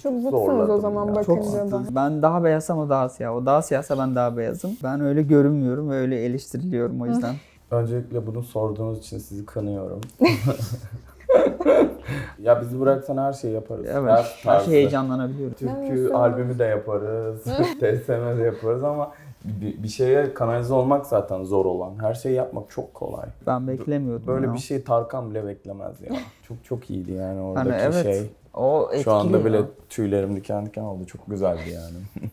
Çok zıtsınız zorladım o zaman ya. bakınca da. Ben daha beyazsam o daha siyah. O daha siyahsa ben daha beyazım. Ben öyle görünmüyorum ve öyle eleştiriliyorum o yüzden. Öncelikle bunu sorduğunuz için sizi kınıyorum. Ya bizi bıraksan her şeyi yaparız. Evet. Her tarzı. şey heyecanlanabiliyorum. Türkü albümü de yaparız, TSM de yaparız ama bir şeye kanalize olmak zaten zor olan. Her şeyi yapmak çok kolay. Ben beklemiyordum. Böyle ya. bir şey Tarkan bile beklemez ya. Çok iyiydi yani oradaki Hani evet. şey. O etkili. Şu anda bile ya. tüylerim diken diken oldu. Çok güzeldi yani.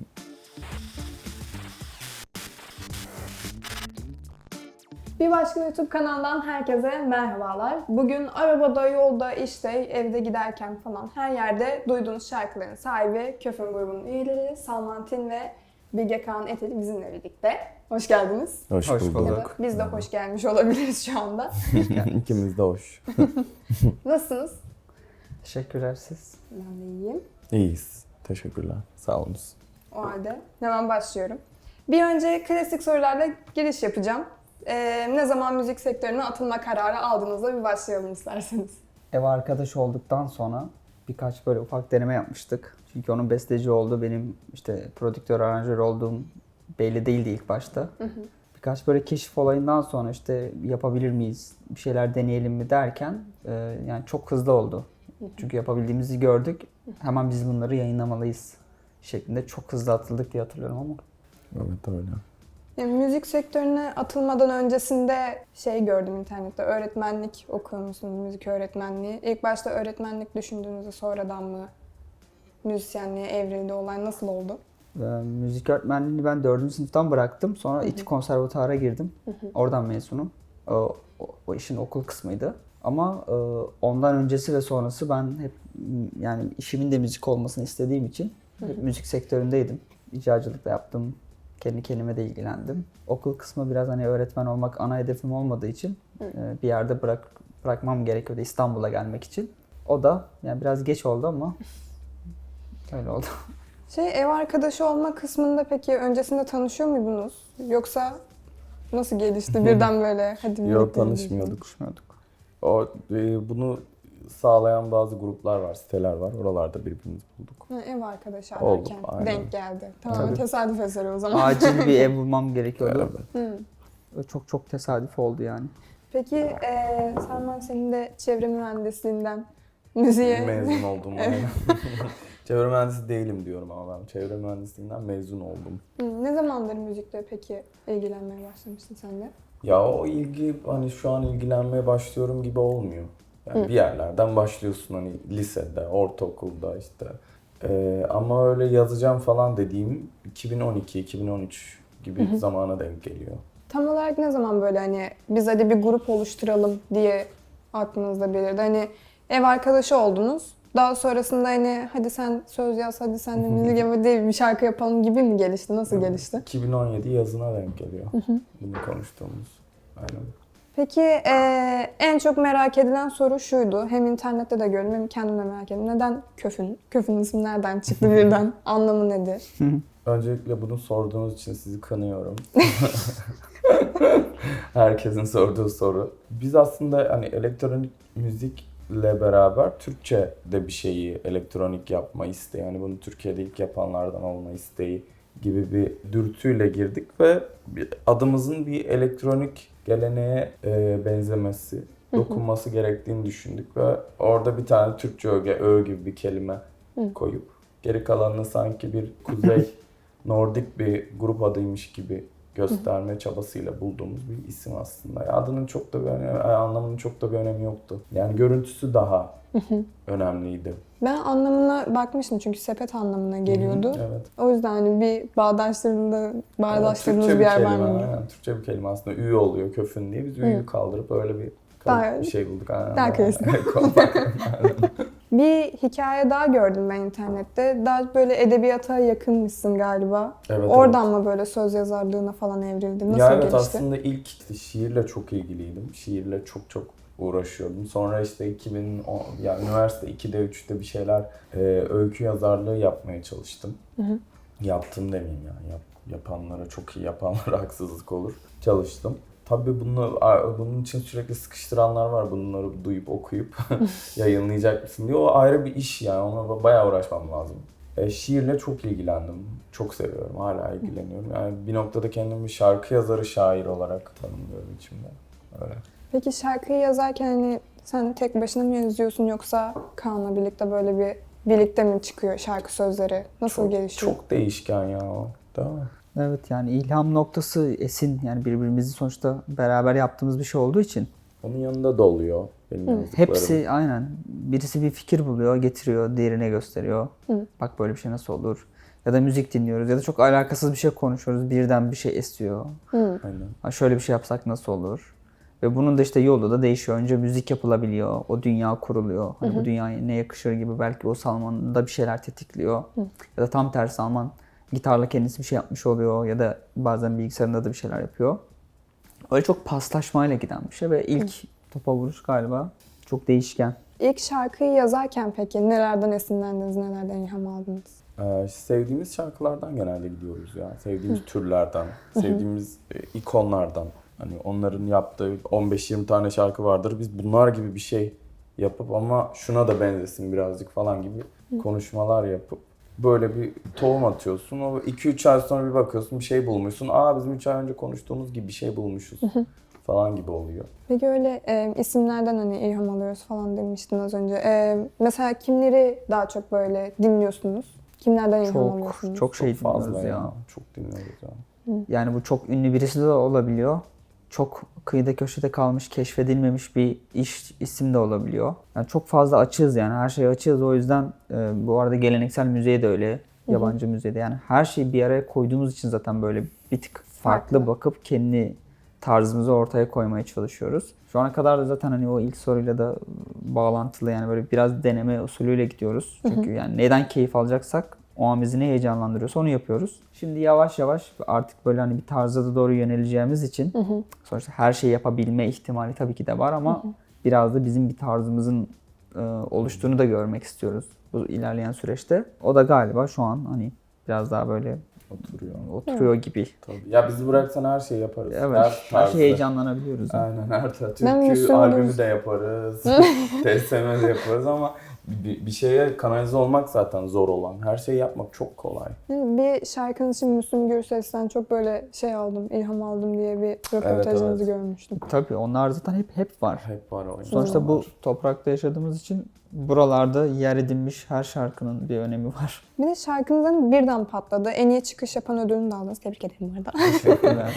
Bir başka YouTube kanalından herkese merhabalar. Bugün arabada, yolda, işte, evde giderken falan her yerde duyduğunuz şarkıların sahibi Köfün grubunun üyeleri Salman Tin ve Bilge Kağan Eteli bizimle birlikte. Hoş geldiniz. Hoş Hoş bulduk. bulduk. Ya da biz de hoş gelmiş olabiliriz şu anda. İkimiz de hoş. Nasılsınız? Teşekkürler siz. Ben de iyiyim. İyiyiz. Teşekkürler. Sağ olun. O halde hemen başlıyorum. Bir önce klasik sorularla giriş yapacağım. Ne zaman müzik sektörüne atılma kararı aldığınızda bir başlayalım isterseniz. Ev arkadaş olduktan sonra birkaç böyle ufak deneme yapmıştık. Çünkü onun besteci olduğu, benim işte prodüktör, aranjör olduğum belli değildi ilk başta. Birkaç böyle keşif olayından sonra işte yapabilir miyiz, bir şeyler deneyelim mi derken yani çok hızlı oldu. Çünkü yapabildiğimizi gördük. Hemen biz bunları yayınlamalıyız şeklinde çok hızlı atıldık diye hatırlıyorum ama. Evet öyle. Yani müzik sektörüne atılmadan öncesinde şey gördüm internette, öğretmenlik okuyormuşsunuz, müzik öğretmenliği. İlk başta öğretmenlik düşündüğünüzde sonradan mı müzisyenliğe evrildi olay, nasıl oldu? Müzik öğretmenliğini ben 4. sınıftan bıraktım. Sonra İTÜ Konservatuar'a girdim. Oradan mezunum. O işin okul kısmıydı. Ama ondan öncesi ve sonrası ben hep yani işimin de müzik olmasını istediğim için hep müzik sektöründeydim. İcracılık da yaptım. Kendi kendime de ilgilendim. Okul kısmı biraz hani öğretmen olmak ana hedefim olmadığı için bir yerde bırakmam gerekiyordu İstanbul'a gelmek için. O da yani biraz geç oldu ama öyle oldu. Ev arkadaşı olma kısmında peki öncesinde tanışıyor muydunuz? Yoksa nasıl gelişti birden böyle hadi birlikte Yok, tanışmıyorduk. Bunu sağlayan bazı gruplar var, siteler var. Oralarda birbirimizi bulduk. Ev arkadaşı Oldu, ararken aynen. denk geldi. Tamamen Tabii. tesadüf eseri o zaman. Acil bir ev bulmam gerekiyordu. Evet. Çok tesadüf oldu yani. Peki Salman, senin de çevre mühendisliğinden müziğe... Mezun oldum. Aynen. Çevre mühendisi değilim diyorum ama ben çevre mühendisliğinden mezun oldum. Ne zamandır müzikle peki ilgilenmeye başlamıştın sen de? Ya o ilgi hani şu an ilgilenmeye başlıyorum gibi olmuyor. Yani bir yerlerden başlıyorsun hani lisede, ortaokulda işte. Ama öyle yazacağım falan dediğim 2012-2013 gibi zamana denk geliyor. Tam olarak ne zaman böyle hani biz hadi bir grup oluşturalım diye aklınızda belirdi? Hani ev arkadaşı oldunuz. Daha sonrasında hani hadi sen söz yaz, hadi sen de müzik yap diye bir şarkı yapalım gibi mi gelişti? Nasıl gelişti? 2017 yazına denk geliyor bunu konuştuğumuz. Aynen. Peki en çok merak edilen soru şuydu. Hem internette de gördüm hem kendim de merak ettim. Neden Köfün? Köfün ismi nereden çıktı birden? Anlamı nedir? Öncelikle bunu sorduğunuz için sizi kınıyorum. Herkesin sorduğu soru. Biz aslında hani elektronik müzikle beraber Türkçe de bir şeyi elektronik yapma isteği, yani bunu Türkiye'de ilk yapanlardan olma isteği gibi bir dürtüyle girdik ve adımızın bir elektronik geleneğe benzemesi, dokunması gerektiğini düşündük ve orada bir tane Türkçe ö gibi bir kelime koyup geri kalanını sanki bir kuzey Nordik bir grup adıymış gibi gösterme çabasıyla bulduğumuz bir isim aslında. Adının çok da bir önemi, anlamının çok da bir önemi yoktu. Yani görüntüsü daha önemliydi. Ben anlamına bakmıştım çünkü sepet anlamına geliyordu. Evet. O yüzden hani bir bağdaştırdığınız Türkçe bir yer var kelime, mı? aynen. Türkçe bir kelime aslında. Ü oluyor köfün diye. Biz ü'yü kaldırıp öyle bir Daha- bir şey bulduk. Aynen. daha klasik. Bir hikaye daha gördüm ben internette. Daha böyle edebiyata yakınmışsın galiba. Evet, Oradan mı böyle söz yazarlığına falan evrildi? Nasıl Ya evet, gelişti? aslında ilk işte şiirle çok ilgiliydim. Şiirle çok uğraşıyordum. Sonra işte 2010, yani üniversite 2'de 3'te bir şeyler öykü yazarlığı yapmaya çalıştım. Yaptım demeyeyim yani. Yapanlara, çok iyi yapanlara haksızlık olur. Çalıştım. Tabii bunun için sürekli sıkıştıranlar var. Bunları duyup okuyup yayınlayacak mısın diye. O ayrı bir iş yani. Ona bayağı uğraşmam lazım. Şiirle çok ilgilendim. Çok seviyorum. Hala ilgileniyorum. Yani bir noktada kendimi şarkı yazarı, şair olarak tanımlıyorum içimde. Öyle. Peki şarkıyı yazarken hani sen tek başına mı yazıyorsun yoksa Kaan'la birlikte böyle bir birlikte mi çıkıyor şarkı sözleri? Nasıl gelişiyor? Çok değişken ya o. Değil mi? Evet, yani ilham noktası Esin, yani birbirimizi sonuçta beraber yaptığımız bir şey olduğu için Onun yanında da oluyor benim yazdıklarım. hepsi aynen. Birisi bir fikir buluyor, getiriyor, diğerine gösteriyor. Bak böyle bir şey nasıl olur? Ya da müzik dinliyoruz ya da çok alakasız bir şey konuşuyoruz. Birden bir şey esiyor. Aynen. Ha, şöyle bir şey yapsak nasıl olur? Ve bunun da işte yolu da değişiyor. Önce müzik yapılabiliyor. O dünya kuruluyor. Hani bu dünyaya ne yakışır gibi, belki o Salman'da bir şeyler tetikliyor. Ya da tam tersi, Salman gitarla kendisi bir şey yapmış oluyor. Ya da bazen bilgisayarında da bir şeyler yapıyor. Öyle çok paslaşmayla giden bir şey ve ilk topa vuruş galiba çok değişken. İlk şarkıyı yazarken peki nelerden esinlendiniz, nelerden ilham aldınız? Sevdiğimiz şarkılardan genelde gidiyoruz ya. Sevdiğimiz türlerden, sevdiğimiz ikonlardan. Hani onların yaptığı 15-20 tane şarkı vardır. Biz bunlar gibi bir şey yapıp ama şuna da benzesin birazcık falan gibi konuşmalar yapıp böyle bir tohum atıyorsun. O 2-3 ay sonra bir bakıyorsun bir şey bulmuşsun. Bizim 3 ay önce konuştuğumuz gibi bir şey bulmuşuz falan gibi oluyor. Peki öyle isimlerden hani ilham alıyoruz falan demiştin az önce. Mesela kimleri daha çok böyle dinliyorsunuz? Kimlerden ilham alıyorsunuz? Çok şey Çok fazla dinliyoruz ya. ya. Çok dinliyoruz ya. Yani bu çok ünlü birisi de olabiliyor. Çok kıyıda köşede kalmış, keşfedilmemiş bir isim de olabiliyor. Yani çok fazla açığız, yani her şeye açığız. O yüzden bu arada geleneksel müziğe de öyle, yabancı müziğe de, yani her şeyi bir araya koyduğumuz için zaten böyle bir tık farklı bakıp kendi tarzımızı ortaya koymaya çalışıyoruz. Şu ana kadar da zaten hani o ilk soruyla da bağlantılı, yani böyle biraz deneme usulüyle gidiyoruz. Çünkü yani neden keyif alacaksak, o an bizi ne heyecanlandırıyorsa onu yapıyoruz. Şimdi yavaş yavaş artık böyle hani bir tarza da doğru yöneleceğimiz için sonuçta her şeyi yapabilme ihtimali tabii ki de var ama biraz da bizim bir tarzımızın oluştuğunu da görmek istiyoruz bu ilerleyen süreçte. O da galiba şu an hani biraz daha böyle oturuyor gibi. Tabii. Ya bizi bıraksan her şeyi yaparız. Evet. Her tarzda. şey heyecanlanabiliyoruz. Yani. Aynen, her tarz. Ben Türkü Müslüm albümü de yaparız. TSM de yaparız ama bir şeye kanalize olmak zaten zor olan. Her şeyi yapmak çok kolay. Bir şarkınız için Müslüm Gürses'ten çok böyle şey aldım, ilham aldım diye bir röportajınızı Evet. görmüştüm. Tabii onlar zaten hep var. Hep var o. Sonuçta bu toprakta yaşadığımız için buralarda yer edinmiş her şarkının bir önemi var. Bir de şarkınızın birden patladı. En iyi çıkış yapan ödülünü de aldınız. Tebrik ederim bu arada. Teşekkürler.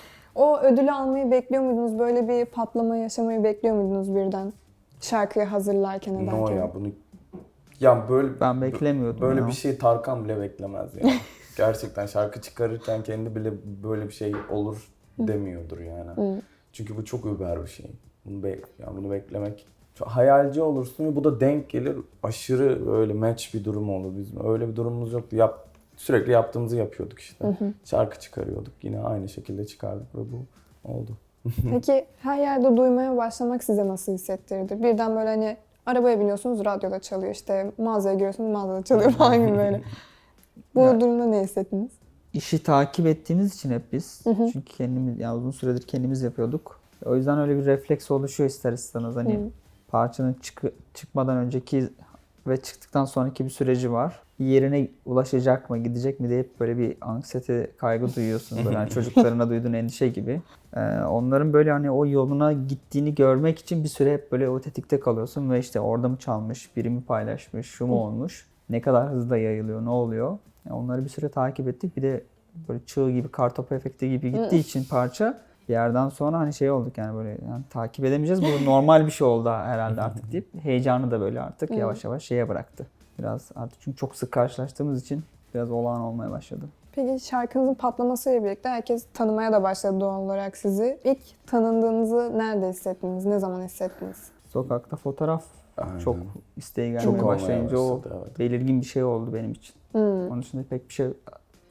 O ödülü almayı bekliyor muydunuz? Böyle bir patlama yaşamayı bekliyor muydunuz birden? Şarkıyı hazırlarken ederken. No ya bunu... Ya böyle... Ben beklemiyordum Böyle ya. bir şey Tarkan bile beklemez ya. Gerçekten şarkı çıkarırken kendi bile böyle bir şey olur demiyordur yani. Çünkü bu çok über bir şey. Bunu beklemek... Çok hayalci olursun ve bu da denk gelir. Aşırı böyle match bir durum olur bizim. Öyle bir durumumuz yoktu. Sürekli yaptığımızı yapıyorduk işte. Şarkı çıkarıyorduk. Yine aynı şekilde çıkardık ve bu oldu. Peki her yerde duymaya başlamak size nasıl hissettirdi? Birden böyle hani arabaya biniyorsunuz, radyoda çalıyor. İşte mağazaya giriyorsunuz, mağazada çalıyor falan gibi böyle. Bu durumda ne hissettiniz? İşi takip ettiğimiz için hep biz. Çünkü kendimiz, yani uzun süredir kendimiz yapıyorduk. O yüzden öyle bir refleks oluşuyor ister istemez. Hani parçanın çıkmadan önceki ve çıktıktan sonraki bir süreci var. Yerine ulaşacak mı, gidecek mi diye hep böyle bir anksiyete, kaygı duyuyorsun. Böyle hani çocuklarına duyduğun endişe gibi. Onların böyle hani o yoluna gittiğini görmek için bir süre hep böyle o tetikte kalıyorsun ve işte orada mı çalmış, biri mi paylaşmış, şu mu olmuş, ne kadar hızla yayılıyor, ne oluyor. Yani onları bir süre takip ettik. Bir de böyle çığ gibi, kartopu efekti gibi gittiği için parça bir yerden sonra hani şey olduk, yani böyle yani takip edemeyeceğiz. Bu normal bir şey oldu herhalde artık deyip heyecanı da böyle artık yavaş yavaş şeye bıraktı. Biraz artık çünkü çok sık karşılaştığımız için biraz olağan olmaya başladı. Peki şarkınızın patlamasıyla birlikte herkes tanımaya da başladı doğal olarak sizi. İlk tanındığınızı nerede hissettiniz? Ne zaman hissettiniz? Sokakta fotoğraf çok isteği gelmeye Çok olmaya başlayınca o başladı, evet. belirgin bir şey oldu benim için. Onun dışında pek bir şey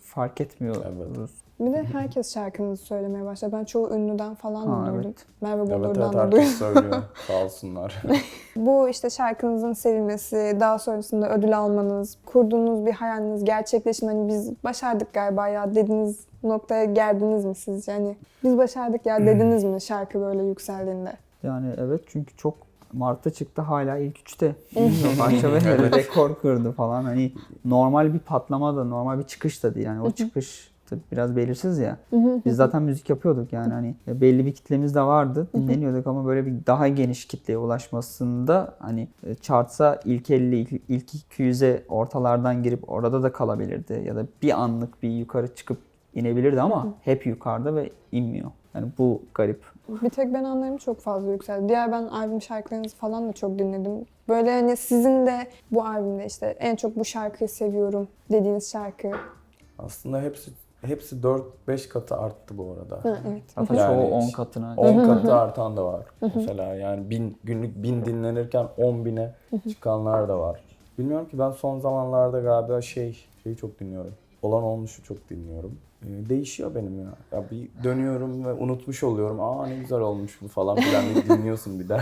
fark etmiyoruz. Bir de herkes şarkınızı söylemeye başladı. Ben çoğu ünlüden falan da duydum. Evet. Merve Evet, Bolur'dan da herkes duydum. söylüyor. Sağ olsunlar. Bu işte şarkınızın sevilmesi, daha sonrasında ödül almanız, kurduğunuz bir hayaliniz gerçekleşin. Hani biz başardık galiba ya dediğiniz noktaya geldiniz mi sizce? Hani biz başardık ya dediniz mi şarkı böyle yükseldiğinde? Yani evet, çünkü çok Mart'ta çıktı, hala ilk 3'te. Bilmiyorum, parça ve rekor kırdı falan. Hani normal bir patlama da, normal bir çıkış da değil. Yani o çıkış tabii biraz belirsiz ya. Biz zaten müzik yapıyorduk yani, hani belli bir kitlemiz de vardı. Dinleniyorduk ama böyle bir daha geniş kitleye ulaşmasında hani chartsa ilk 50, ilk 200'e ortalardan girip orada da kalabilirdi. Ya da bir anlık bir yukarı çıkıp inebilirdi ama hep yukarıda ve inmiyor. Yani bu garip. Bir tek ben anlarım çok fazla yükseldi. Diğer ben albüm şarkılarınızı falan da çok dinledim. Böyle hani sizin de bu albümde işte en çok bu şarkıyı seviyorum dediğiniz şarkı. Aslında hepsi 4-5 katı arttı bu arada. Ha, evet. Hatta Yani çoğu 10 katına. 10 katı artan da var. Mesela yani günlük 1000 dinlenirken 10.000'e çıkanlar da var. Bilmiyorum ki, ben son zamanlarda galiba şeyi çok dinliyorum. Olan Olmuş'u çok dinliyorum. Değişiyor benim ya. Ya bir dönüyorum ve unutmuş oluyorum. Aa, ne güzel olmuş bu falan filan diye dinliyorsun bir daha.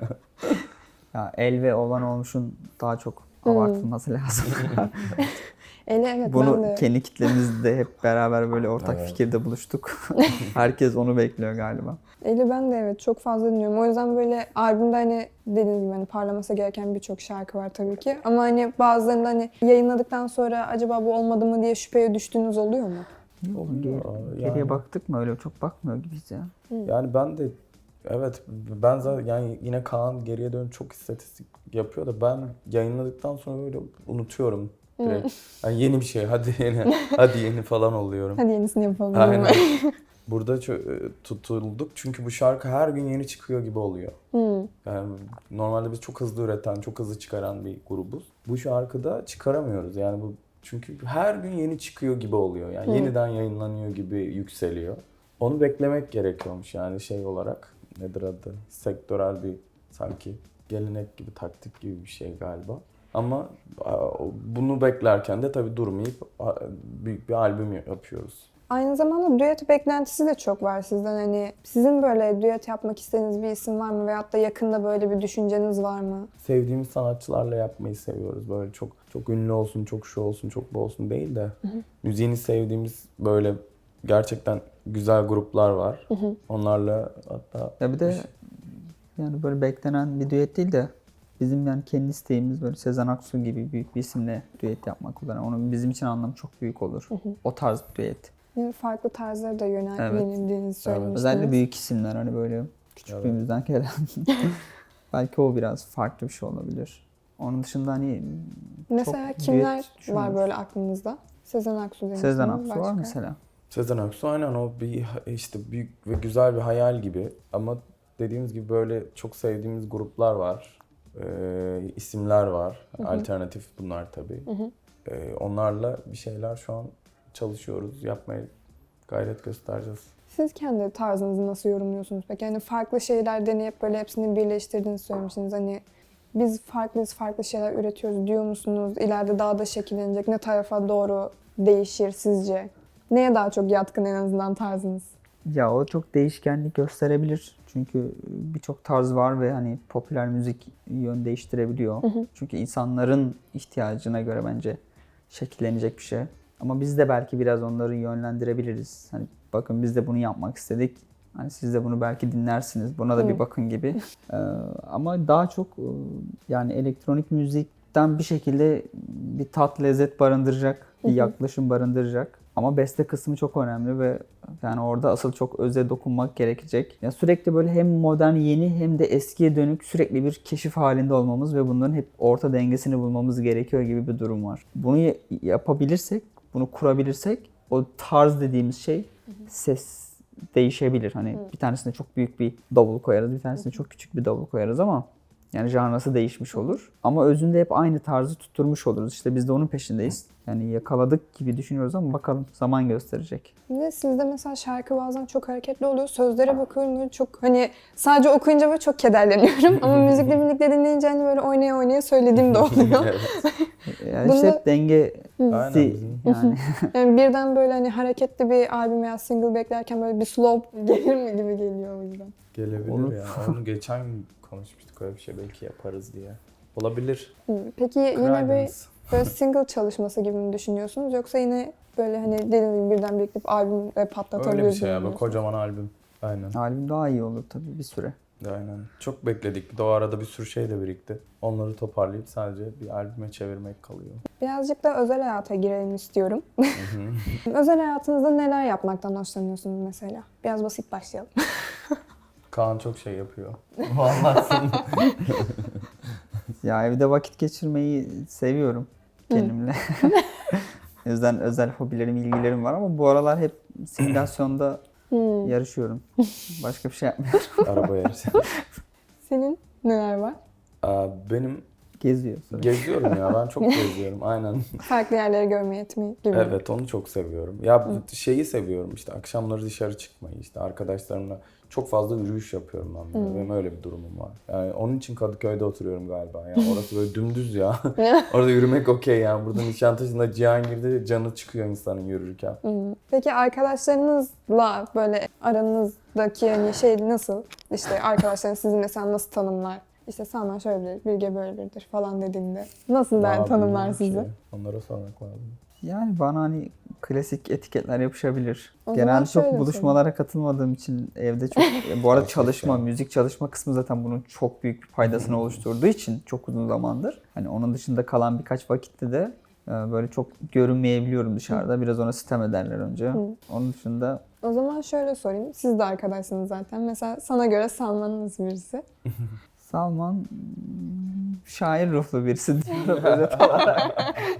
Ya El ve Olan Olmuş'un daha çok abartılması lazım. Evet, Bunu ben de. kendi kitlemizde hep beraber böyle ortak fikirde buluştuk. Herkes onu bekliyor galiba. Eli ben de evet çok fazla dinliyorum. O yüzden böyle albümde hani dediğiniz gibi hani parlaması gereken birçok şarkı var tabii ki. Ama hani bazılarında hani yayınladıktan sonra acaba bu olmadı mı diye şüpheye düştüğünüz oluyor mu? Niye oğlum, geriye yani- baktık mı, öyle çok bakmıyor gibiyiz ya. Yani ben de evet, ben zaten yani yine Kaan geriye dönüp çok istatistik yapıyor da ben yayınladıktan sonra böyle unutuyorum direkt. Yani yeni bir şey, hadi yeni falan oluyorum. Hadi yenisini yapalım. Aynen. Burada tutulduk çünkü bu şarkı her gün yeni çıkıyor gibi oluyor. Yani normalde biz çok hızlı üreten, çok hızlı çıkaran bir grubuz. Bu şarkıda çıkaramıyoruz yani, bu çünkü her gün yeni çıkıyor gibi oluyor. Yani yeniden yayınlanıyor gibi yükseliyor. Onu beklemek gerekiyormuş yani, şey olarak. Nedir adı? Sektörel bir sanki gelenek gibi, taktik gibi bir şey galiba. Ama bunu beklerken de tabii durmayıp büyük bir albüm yapıyoruz. Aynı zamanda düet beklentisi de çok var sizden. Hani sizin böyle düet yapmak istediğiniz bir isim var mı? Veyahut da yakında böyle bir düşünceniz var mı? Sevdiğimiz sanatçılarla yapmayı seviyoruz. Böyle çok ünlü olsun, çok şu olsun, çok bu olsun değil de müziğini sevdiğimiz böyle gerçekten güzel gruplar var. Onlarla hatta Ya bir de yani böyle beklenen bir düet değil de bizim yani kendi isteğimiz böyle Sezen Aksu gibi büyük bir isimle düet yapmak olur. Yani onun bizim için anlamı çok büyük olur. O tarz bir düet. Yani farklı tarzlara da Evet. yöneldiğinizi söylemiştiniz. Özellikle büyük isimler, hani böyle küçüklüğümüzden gelen. Belki o biraz farklı bir şey olabilir. Onun dışında hani Mesela çok kimler düet var düşünüyoruz. böyle aklınızda? Sezen Aksu demiştiniz. Sezen Aksu var Başka? mesela. Sezen Aksu aynen, o bir işte büyük ve güzel bir hayal gibi. Ama dediğimiz gibi böyle çok sevdiğimiz gruplar var. İsimler var. Alternatif bunlar tabii. Onlarla bir şeyler şu an çalışıyoruz. Yapmaya gayret göstereceğiz. Siz kendi tarzınızı nasıl yorumluyorsunuz peki? Yani farklı şeyler deneyip böyle hepsini birleştirdiğinizi söylemiştiniz. Hani biz farklı şeyler üretiyoruz diyor musunuz? İleride daha da şekillenecek. Ne tarafa doğru değişir sizce? Neye daha çok yatkın en azından tarzınız? Ya o çok değişkenlik gösterebilir. Çünkü birçok tarz var ve hani popüler müzik yön değiştirebiliyor. Çünkü insanların ihtiyacına göre bence şekillenecek bir şey. Ama biz de belki biraz onları yönlendirebiliriz. Hani bakın biz de bunu yapmak istedik. Hani siz de bunu belki dinlersiniz. Buna da bir bakın gibi. Ama daha çok yani elektronik müzikten bir şekilde bir tat, lezzet barındıracak, bir yaklaşım barındıracak. Ama beste kısmı çok önemli ve yani orada asıl çok öze dokunmak gerekecek. Ya sürekli böyle hem modern, yeni hem de eskiye dönük sürekli bir keşif halinde olmamız ve bunların hep orta dengesini bulmamız gerekiyor gibi bir durum var. Bunu yapabilirsek, bunu kurabilirsek o tarz dediğimiz şey ses değişebilir. Hani bir tanesine çok büyük bir davul koyarız, bir tanesine çok küçük bir davul koyarız ama yani janrası değişmiş olur. Ama özünde hep aynı tarzı tutturmuş oluruz. İşte biz de onun peşindeyiz. Yani yakaladık gibi düşünüyoruz ama bakalım, zaman gösterecek. Bir de sizde mesela şarkı bazen çok hareketli oluyor. Sözlere bakıyorum böyle çok hani sadece okuyunca böyle çok kederleniyorum. Ama müzikle birlikte dinleyince hani böyle oynaya oynaya söylediğim de oluyor. Yani Bunda- işte hep denge Aynen bizim. Yani Yani birden böyle hani hareketli bir albüm veya single beklerken böyle bir slow gelir mi gibi geliyor o yüzden. Gelebilir Olur. ya. Onu geçen gün konuşmuştuk, öyle bir şey belki yaparız diye. Olabilir. Peki yine bir Credence. böyle single çalışması gibi mi düşünüyorsunuz? Yoksa yine böyle hani dediğim gibi birden biriktirip albüm patlatabilir Öyle bir şey ya. mi? Böyle kocaman albüm. Aynen. albüm daha iyi olur tabii bir süre. Aynen. Çok bekledik. Bir de o arada bir sürü şey de birikti. Onları toparlayıp sadece bir albüme çevirmek kalıyor. Birazcık da özel hayata girelim istiyorum. Özel hayatınızda neler yapmaktan hoşlanıyorsunuz mesela? Biraz basit başlayalım. Kaan çok şey yapıyor. Vallahi. Ya evde vakit geçirmeyi seviyorum kendimle. O yüzden özel hobilerim, ilgilerim var ama bu aralar hep simülasyonda yarışıyorum. Başka bir şey yapmıyorum. Araba yarışı. Senin neler var? Benim Geziyor sonra. geziyorum ya. Ben çok geziyorum. Aynen. Farklı yerleri görmeyi etmeyi gibi. Evet, onu çok seviyorum. Ya şeyi seviyorum işte, akşamları dışarı çıkmayı, işte arkadaşlarımla çok fazla yürüyüş yapıyorum ben. Böyle. Benim öyle bir durumum var. Yani onun için Kadıköy'de oturuyorum galiba. Yani orası böyle dümdüz ya. Orada yürümek okey yani. Burada Nişantaşı'nda, Cihangir'de canı çıkıyor insanın yürürken. Peki arkadaşlarınızla böyle aranızdaki hani şey nasıl? İşte arkadaşlarınız sizi mesela nasıl tanımlar? İşte Salman şöyle biridir, Bilge böyle biridir falan dediğinde nasıl Daha tanımlar bilmiyorum sizi? ki. Onlara sormak lazım. Yani bana hani klasik etiketler yapışabilir. O zaman Genelde çok şöyle buluşmalara katılmadığım için evde çok... Bu arada Saçma çalışma, şey. müzik çalışma kısmı zaten bunun çok büyük bir faydasını oluşturduğu için çok uzun zamandır. Hani onun dışında kalan birkaç vakitte de böyle çok görünmeyebiliyorum dışarıda. Biraz ona sitem ederler önce. Onun dışında O zaman şöyle sorayım. Siz de arkadaşsınız zaten. Mesela sana göre Salman nasıl birisi? Salman şair ruhlu birisi diyorum özet olarak.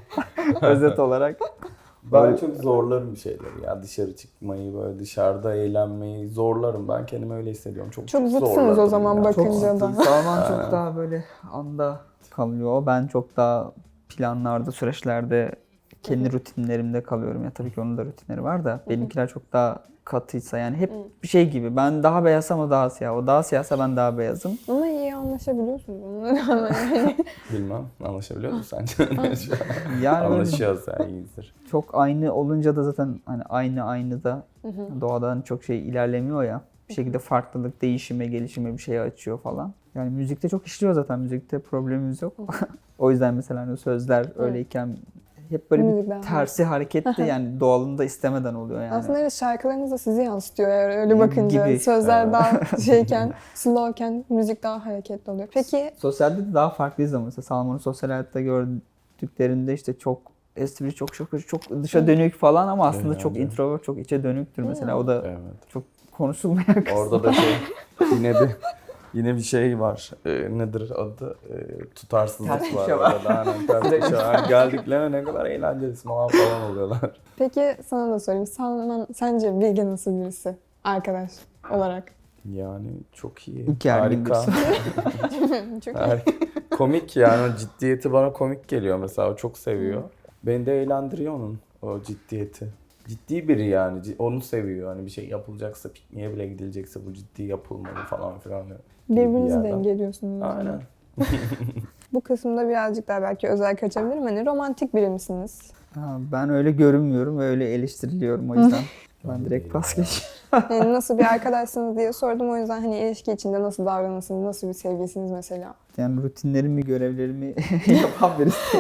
Özet olarak. Ben çok zorlarım bir şeyleri ya. Dışarı çıkmayı, böyle dışarıda eğlenmeyi zorlarım. Ben kendimi öyle hissediyorum. Çok zıtsınız zorlarım o zaman ya. bakınca da. Salman çok daha böyle anda kalıyor. Ben çok daha planlarda, süreçlerde kendi rutinlerimde kalıyorum. Ya tabii ki onun da rutinleri var da benimkiler çok daha katıysa yani hep bir şey gibi. Ben daha beyazsam o daha siyah. O daha siyahsa ben daha beyazım. Ama iyi anlaşabiliyorsunuz onunla rağmen yani. Bilmem. Anlaşabiliyor musun sence? Yani böyle Anlaşıyoruz yani, iyidir. çok aynı olunca da zaten hani aynı da doğada hani çok şey ilerlemiyor ya. Bir şekilde farklılık, değişime, gelişime bir şey açıyor falan. Yani müzikte çok işliyor zaten. Müzikte problemimiz yok. O yüzden mesela hani sözler öyleyken hep böyle Müzikler, bir tersi hareketli yani doğalında istemeden oluyor yani. Aslında evet şarkılarınız da sizi yansıtıyor eğer öyle bakınca. Gibi. Sözler daha şeyken, slowken müzik daha hareketli oluyor. Peki Sosyalde de daha farklıyız ama mesela Salman'ın sosyal hayatta gördüklerinde işte çok espri, çok dışa dönük falan ama aslında Evet, çok evet. introvert, çok içe dönüktür mesela. O da Evet. çok konuşulmayan kısım. Orada da yine bir şey var. Nedir adı? Tutarsızlık Ters var köşe var. orada. Aynen, ters köşe var. Geldiklerine ne kadar eğlenceli falan oluyorlar. Peki sana da sorayım. Salman sence Bilge nasıl birisi? Arkadaş olarak. Yani çok iyi. Gergin Harika. Çok iyi. Harika. Komik yani, o ciddiyeti bana komik geliyor mesela. O çok seviyor. Beni de eğlendiriyor onun o ciddiyeti. Ciddi biri yani. Onu seviyor. Hani bir şey yapılacaksa, pikniğe bile gidilecekse bu ciddi yapılmalı falan filan. gibi bir Birbirinizi yerden. dengeliyorsunuz. o zaman. Aynen. Bu kısımda birazcık daha belki özel kaçabilirim. Hani romantik biri misiniz? Ha, ben öyle görünmüyorum ve öyle eleştiriliyorum o yüzden. Ben direkt pas geçiyorum. Yani nasıl bir arkadaşsınız diye sordum. O yüzden hani ilişki içinde nasıl davranırsınız, nasıl bir sevgilisiniz mesela? Yani rutinlerimi, görevlerimi yapan birisi.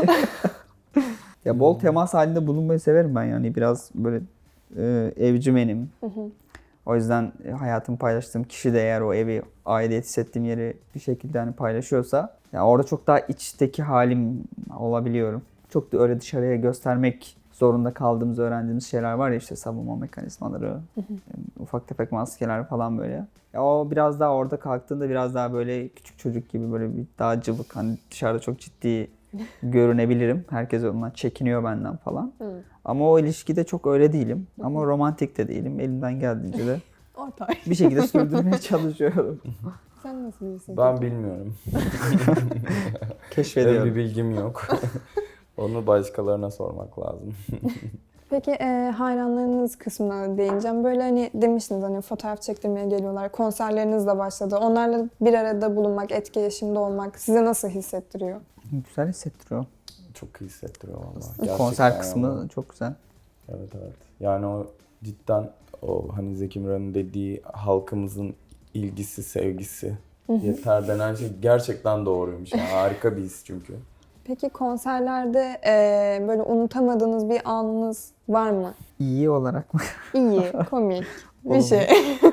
Ya bol temas halinde bulunmayı severim ben yani biraz böyle evcimenim. O yüzden hayatımı paylaştığım kişi de eğer o evi, aidiyet hissettiğim yeri bir şekilde hani paylaşıyorsa ya orada çok daha içteki halim olabiliyorum. Çok da öyle dışarıya göstermek zorunda kaldığımız, öğrendiğimiz şeyler var ya işte savunma mekanizmaları, ufak tefek maskeler falan böyle. Ya o biraz daha orada kalktığında biraz daha böyle küçük çocuk gibi böyle bir daha cıvık hani dışarıda çok ciddi görünebilirim. Herkes ondan çekiniyor benden falan. Ama o ilişkide çok öyle değilim. Ama romantik de değilim. Elimden geldiğince de Ortay. bir şekilde sürdürmeye çalışıyorum. Sen nasıl birisin? Ben peki? bilmiyorum. Keşfediyorum. Bir bilgim yok. Onu başkalarına sormak lazım. Peki hayranlarınız kısmına değineceğim. Böyle hani demiştiniz hani fotoğraf çektirmeye geliyorlar. Konserleriniz de başladı. Onlarla bir arada bulunmak, etkileşimde olmak size nasıl hissettiriyor? Güzel hissettiriyor. çok iyi hissettiriyor vallahi. Gerçekten Konser kısmı yani. çok güzel. Evet evet. Yani o cidden o hani Zeki Müren'in dediği halkımızın ilgisi, sevgisi yeter denen şey gerçekten doğruymuş. Yani harika bir his çünkü. Peki konserlerde böyle unutamadığınız bir anınız var mı? İyi olarak mı? İyi, komik bir Olumlu. şey.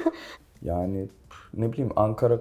Yani ne bileyim Ankara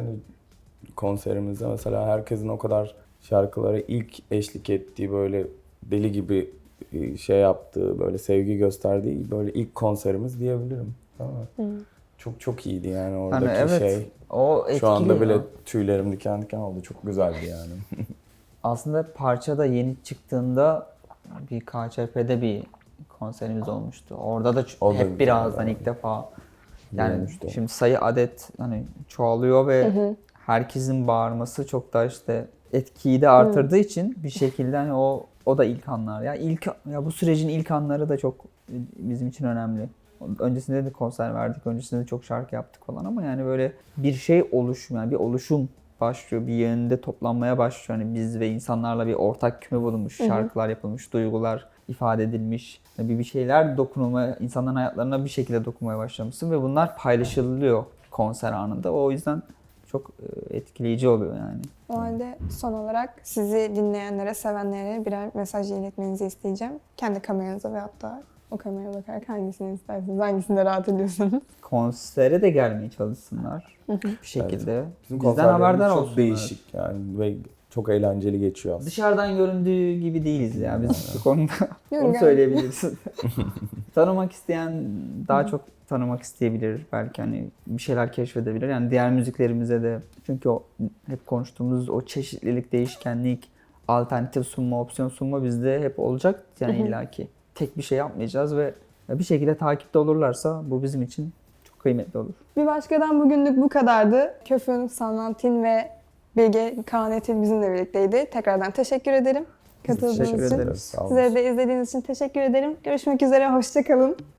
konserimizde mesela herkesin o kadar şarkılara ilk eşlik ettiği böyle deli gibi şey yaptığı, böyle sevgi gösterdiği böyle ilk konserimiz diyebilirim. Değil mi? Çok çok iyiydi yani oradaki Hani evet, şey. o etkili. Şu anda bile ya. tüylerim diken diken oldu. Çok güzeldi yani. Aslında parça da yeni çıktığında bir KÇP'de bir konserimiz olmuştu. Orada da O da hep güzel birazdan yani. ilk defa. Yani Görmüştüm. şimdi sayı adet hani çoğalıyor ve herkesin bağırması çok da işte etkiyi de artırdığı için bir şekilde hani o da ilk anlar. Ya bu sürecin ilk anları da çok bizim için önemli. Öncesinde de konser verdik, öncesinde de çok şarkı yaptık falan ama yani böyle bir şey yani bir oluşum başlıyor, bir yönde toplanmaya başlıyor. Hani biz ve insanlarla bir ortak küme bulunmuş, şarkılar yapılmış, duygular ifade edilmiş. Bir şeyler dokunulmaya, insanların hayatlarına bir şekilde dokunmaya başlamışsın ve bunlar paylaşılıyor konser anında. O yüzden çok etkileyici oluyor yani. O halde son olarak sizi dinleyenlere, sevenlere birer mesaj iletmenizi isteyeceğim. Kendi kameranıza ve hatta o kameraya bakarak hangisini isterseniz, hangisinde rahat ediyorsanız. Konsere de gelmeye çalışsınlar bir şekilde. Bizim Bizden konserlerimiz haberdar çok olsunlar. değişik yani ve çok eğlenceli geçiyor aslında. Dışarıdan göründüğü gibi değiliz ya biz bu konuda. Yok, Onu yani. söyleyebilirsin. Tanımak isteyen daha çok tanımak isteyebilir. Belki hani bir şeyler keşfedebilir. Yani diğer müziklerimize de çünkü o hep konuştuğumuz o çeşitlilik, değişkenlik, alternatif sunma, opsiyon sunma bizde hep olacak. Yani illaki tek bir şey yapmayacağız ve bir şekilde takipte olurlarsa bu bizim için çok kıymetli olur. Bir başkadan bugünlük bu kadardı. Köfün, Salmantin ve Bilge Kanetin bizimle birlikteydi. Tekrardan teşekkür ederim Teşekkür katıldığınız için. ederiz. Sağ olun. Sizlere de izlediğiniz için teşekkür ederim. Görüşmek üzere, hoşça kalın.